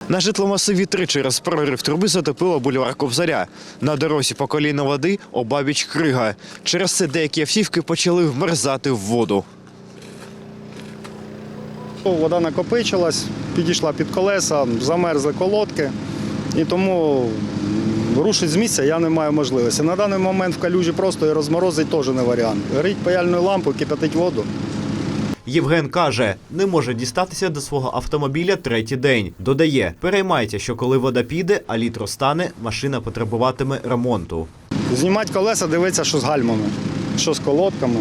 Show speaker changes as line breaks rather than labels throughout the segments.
На житломасиві 3 через прорив труби затопило бульвар Кобзаря. На дорозі по коліно води, обабіч крига. Через це деякі автівки почали вмерзати в воду.
Вода накопичилась, підійшла під колеса, замерзли колодки, і тому рушити з місця я не маю можливості. На даний момент в калюжі просто і розморозить теж не варіант. Горить паяльною лампою, кипятить воду.
Євген каже, не може дістатися до свого автомобіля 3-й день. Додає, переймається, що коли вода піде, а лід розтане, машина потребуватиме ремонту.
Знімати колеса, дивитися, що з гальмами, що з колодками.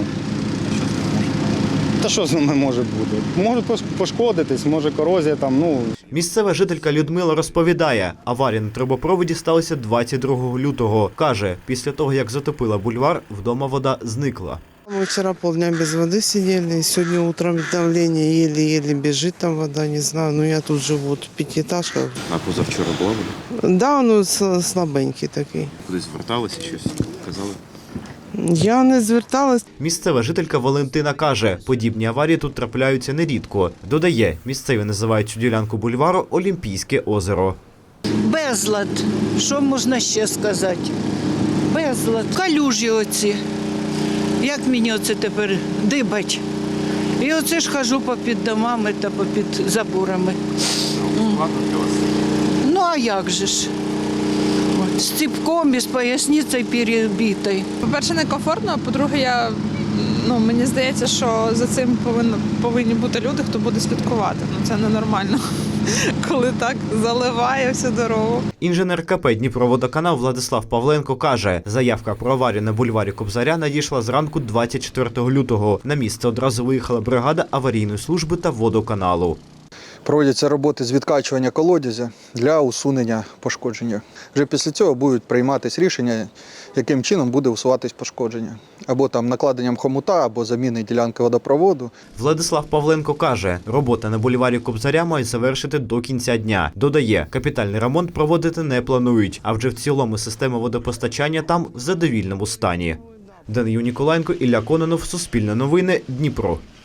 Та що з ними може бути? Може пошкодитись, може корозія там,
Місцева жителька Людмила розповідає, аварія на трубопроводі сталася 22 лютого. Каже, після того, як затопила бульвар, вдома вода зникла.
Мы вчера полдня без воды сидели, сегодня утром давление еле-еле бежит там вода, не знаю, но я тут живу, в пятиэтажках.
А позавчора була вода?
Да, ну слабенький такий.
Кудись зверталися, щось казали?
Я не зверталась.
Місцева жителька Валентина каже, подібні аварії тут трапляються нерідко. Додає, місцеві називають цю ділянку бульвару Олімпійське озеро.
Безлад. Що можна ще сказати? Безлад. Калюжі оці. Як мені оце тепер дибать? І оце ж хожу попід домами та попід заборами.
Складно для вас?
Ну а як же ж? От, з ціпком і з поясницею перебитою.
По-перше, некомфортно, а по-друге, мені здається, що за цим повинні бути люди, хто буде слідкувати. Це ненормально, коли так заливає всю дорогу.
Інженер КП «Дніпроводоканал» Владислав Павленко каже, заявка про аварію на бульварі Кобзаря надійшла зранку 24 лютого. На місце одразу виїхала бригада аварійної служби та водоканалу.
Проводяться роботи з відкачування колодязя для усунення пошкодження. Вже після цього будуть прийматися рішення, яким чином буде усуватись пошкодження. Або там накладенням хомута, або заміни ділянки водопроводу.
Владислав Павленко каже, робота на бульварі Кобзаря мають завершити до кінця дня. Додає, капітальний ремонт проводити не планують, а вже в цілому система водопостачання там в задовільному стані. Данию Ніколаєнко, Ілля Кононов, Суспільне новини, Дніпро.